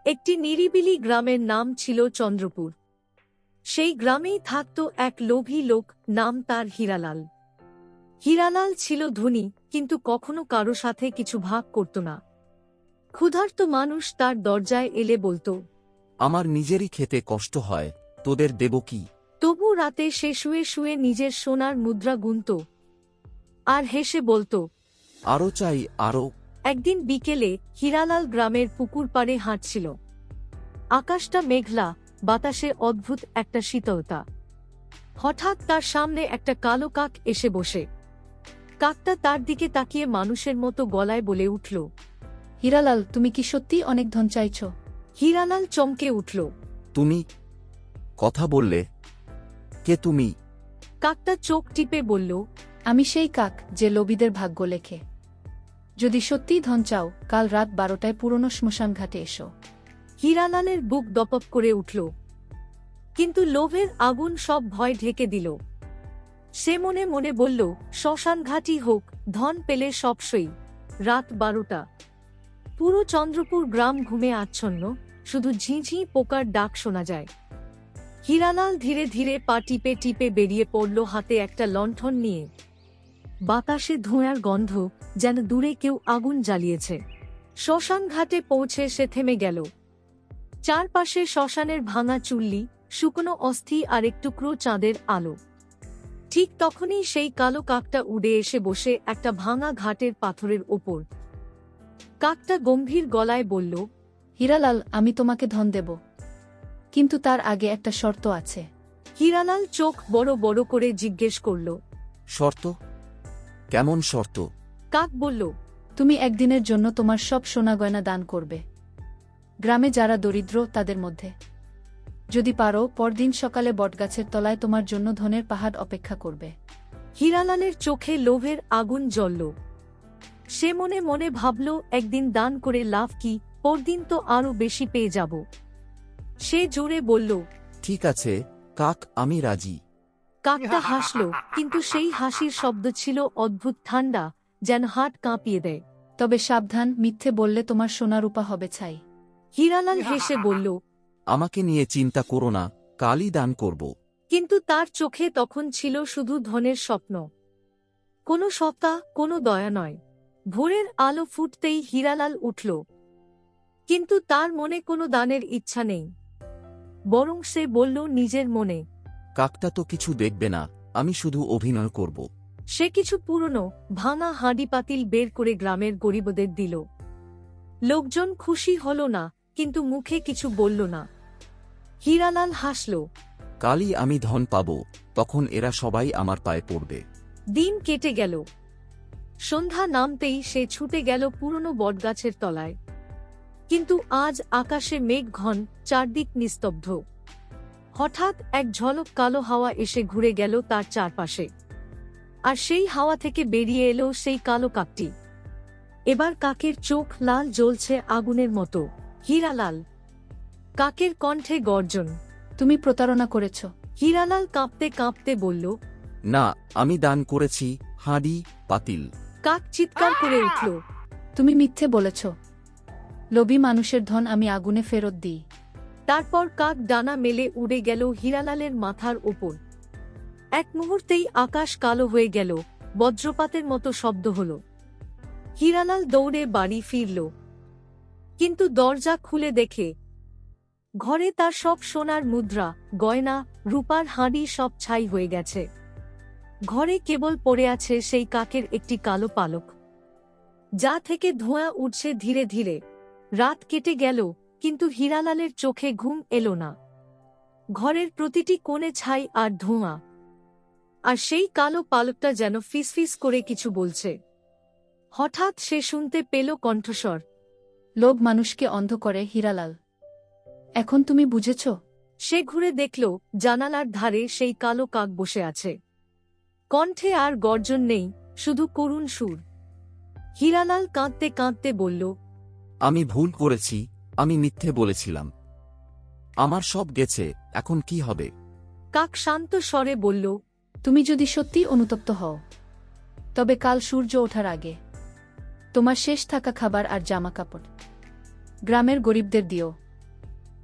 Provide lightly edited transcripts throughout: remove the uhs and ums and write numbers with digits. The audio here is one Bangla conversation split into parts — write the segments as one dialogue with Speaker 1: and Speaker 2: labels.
Speaker 1: একটি নিরিবিলি গ্রামের নাম ছিল চন্দ্রপুর। সেই গ্রামেই থাকত এক লোভী লোক, নাম তার হীরালাল। হীরালাল ছিল ধনী, কিন্তু কখনো কারো সাথে কিছু ভাগ করত না। ক্ষুধার্ত মানুষ তার দরজায় এলে বলতো,
Speaker 2: আমার নিজেরই খেতে কষ্ট হয়, তোদের দেব কি?
Speaker 1: তবু রাতে সে শুয়ে শুয়ে নিজের সোনার মুদ্রা গুনত আর হেসে বলতো,
Speaker 2: আরও চাই, আরও।
Speaker 1: একদিন বিকেলে হীরালাল গ্রামের পুকুর পাড়ে হাঁটছিল। আকাশটা মেঘলা, বাতাসে অদ্ভুত একটা শীতলতা। হঠাৎ তার সামনে একটা কালো কাক এসে বসে। কাকটা তার দিকে তাকিয়ে মানুষের মতো গলায় বলে উঠল,
Speaker 3: হীরালাল, তুমি কি সত্যি অনেক ধন চাইছ?
Speaker 1: হীরালাল চমকে উঠল।
Speaker 2: তুমি কথা বললে? কে তুমি?
Speaker 1: কাকটা চোখ টিপে বলল,
Speaker 3: আমি সেই কাক যে লোভীদের ভাগ্য লেখে। যদি সত্যিই ধন চাও, কাল রাত 12টায় পুরনো শ্মশান ঘাটে এসো।
Speaker 1: হীরালালের বুক দপপ করে উঠল, কিন্তু লোভের আগুন সব ভয় ঢেকে দিল। সে মনে মনে বলল, শ্মশানঘাটই হোক, ধন পেলে সব সই। রাত 12টা। পুরো চন্দ্রপুর গ্রাম ঘুমে আচ্ছন্ন, শুধু ঝিঁঝি পোকার ডাক শোনা যায়। হীরালাল ধীরে ধীরে পা টিপে টিপে বেরিয়ে পড়ল, হাতে একটা লণ্ঠন নিয়ে। বাতাসে ধোঁয়ার গন্ধ, যেন দূরে কেউ আগুন জ্বালিয়েছে। শ্মশানঘাটে পৌঁছে সে থেমে গেল। চারপাশে শ্মশানের ভাঙা চুল্লি, শুকনো অস্থি আর এক টুকরো চাঁদের আলো। ঠিক তখনই সেই কালো কাকটা উড়ে এসে বসে একটা ভাঙা ঘাটের পাথরের ওপর। কাকটা গম্ভীর গলায় বলল,
Speaker 3: হীরালাল, আমি তোমাকে ধন দেব, কিন্তু তার আগে একটা শর্ত আছে।
Speaker 1: হীরালাল চোখ বড় বড় করে জিজ্ঞেস করল,
Speaker 2: শর্ত? কেমন শর্ত?
Speaker 1: কাক বলল,
Speaker 3: তুমি একদিনের জন্য তোমার সব সোনা গয়না দান করবে, গ্রামে যারা দরিদ্র তাদের মধ্যে। যদি পারো, পরদিন সকালে বটগাছের তলায় তোমার জন্য ধনের পাহাড় অপেক্ষা করবে।
Speaker 1: হীরালালের চোখে লোভের আগুন জ্বলল। সে মনে মনে ভাবল, একদিন দান করে লাভ কি, পরদিন তো আরো বেশি পেয়ে যাব। সে জোরে বলল,
Speaker 2: ঠিক আছে কাক, আমি রাজি।
Speaker 1: কাকটা হাসল, কিন্তু সেই হাসির শব্দ ছিল অদ্ভুত ঠান্ডা, যেন হাত কাঁপিয়ে দেয়।
Speaker 3: তবে সাবধান, মিথ্যে বললে তোমার সোনা রূপা হবে ছাই।
Speaker 1: হীরালাল হেসে বলল,
Speaker 2: আমাকে নিয়ে চিন্তা করো না, কালই দান করব।
Speaker 1: কিন্তু তার চোখে তখন ছিল শুধু ধনের স্বপ্ন। কোনো সত্তা, কোনো দয়া নয়। ভোরের আলো ফুটতেই হীরালাল উঠল, কিন্তু তার মনে কোনো দানের ইচ্ছা নেই। বরং সে বলল নিজের মনে,
Speaker 2: কাকটা তো কিছু দেখবে না, আমি শুধু অভিনয় করব।
Speaker 1: সে কিছু পুরনো ভাঙা হাঁড়ি পাতিল বের করে গ্রামের গরিবদের দিল। লোকজন খুশি হল না, কিন্তু মুখে কিছু বলল না। হীরালাল হাসল।
Speaker 2: কালই আমি ধন পাব, তখন এরা সবাই আমার পায়ে পড়বে।
Speaker 1: দিন কেটে গেল। সন্ধ্যা নামতেই সে ছুটে গেল পুরনো বটগাছের তলায়। কিন্তু আজ আকাশে মেঘ ঘন, চারদিক নিস্তব্ধ। হঠাৎ এক ঝলক কালো হাওয়া এসে ঘুরে গেল তার চারপাশে। আর সেই হাওয়া থেকে বেরিয়ে এলো সেই কালো কাকটি। এবার কাকের চোখ লাল জ্বলছে আগুনের মতো। হীরালাল! কাকের কণ্ঠে গর্জন।
Speaker 3: তুমি প্রতারণা করেছ।
Speaker 1: হীরালাল কাঁপতে কাঁপতে বলল,
Speaker 2: না, আমি দান করেছি হাঁড়ি পাতিল।
Speaker 1: কাক চিৎকার করে উঠল,
Speaker 3: তুমি মিথ্যে বলেছ। লোভী মানুষের ধন আমি আগুনে ফেরত দিই।
Speaker 1: তারপর কাক ডানা মেলে উড়ে গেল হীরালালের মাথার ওপর। এক মুহূর্তেই আকাশ কালো হয়ে গেল, বজ্রপাতের মতো শব্দ হল। হীরালাল দৌড়ে বাড়ি ফিরল, কিন্তু দরজা খুলে দেখে ঘরে তার সব সোনার মুদ্রা, গয়না, রূপার হাঁড়ি সব ছাই হয়ে গেছে। ঘরে কেবল পড়ে আছে সেই কাকের একটি কালো পালক, যা থেকে ধোঁয়া উঠছে ধীরে ধীরে। রাত কেটে গেল, কিন্তু হীরালালের চোখে ঘুম এলো না। ঘরের প্রতিটি কোণে ছাই আর ধোঁয়া, আর সেই কালো পালকটা যেন ফিসফিস করে কিছু বলছে। হঠাৎ সে শুনতে পেল কণ্ঠস্বর,
Speaker 3: লোভ মানুষকে অন্ধ করে হীরালাল। এখন তুমি বুঝেছ?
Speaker 1: সে ঘুরে দেখল জানালার ধারে সেই কালো কাক বসে আছে। কণ্ঠে আর গর্জন নেই, শুধু করুণ সুর। হীরালাল কাঁদতে কাঁদতে বলল,
Speaker 2: আমি ভুল করেছি, আমি মিথ্যে বলেছিলাম। আমার সব গেছে, এখন কি হবে?
Speaker 1: কাক শান্ত স্বরে বলল,
Speaker 3: তুমি যদি সত্যি অনুতপ্ত হও, তবে কাল সূর্য ওঠার আগে তোমার শেষ থাকা খাবার আর জামা কাপড় গ্রামের গরিবদের দিও।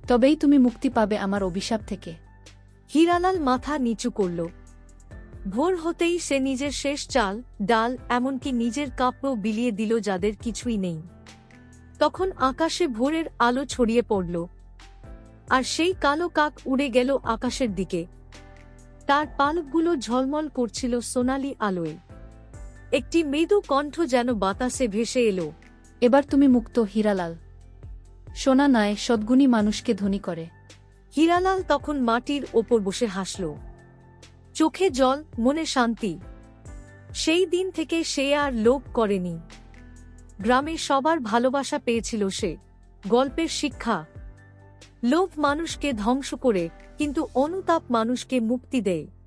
Speaker 3: তবেই তুমি মুক্তি পাবে আমার অভিশাপ থেকে।
Speaker 1: হীরালাল মাথা নিচু করল। ভোর হতেই সে নিজের শেষ চাল, ডাল, এমনকি নিজের কাপড়ও বিলিয়ে দিল যাদের কিছুই নেই। তখন আকাশে ভোরের আলো ছড়িয়ে পড়ল, আর সেই কালো কাক উড়ে গেল আকাশের দিকে। তার পালকগুলো ঝলমল করছিল সোনালি আলোয়। একটি মৃদু কণ্ঠ যেন বাতাসে ভেসে এলো।
Speaker 3: এবার তুমি মুক্ত হীরালাল। সোনা নয়, সদ্গুণী মানুষকে ধনী করে।
Speaker 1: হীরালাল তখন মাটির ওপর বসে হাসল, চোখে জল, মনে শান্তি। সেই দিন থেকে সে আর লোভ করেনি। গ্রামে সবার ভালোবাসা পেয়েছিল সে। গল্পের শিক্ষা: লোভ মানুষকে ধ্বংস করে, কিন্তু অনুতাপ মানুষকে মুক্তি দেয়।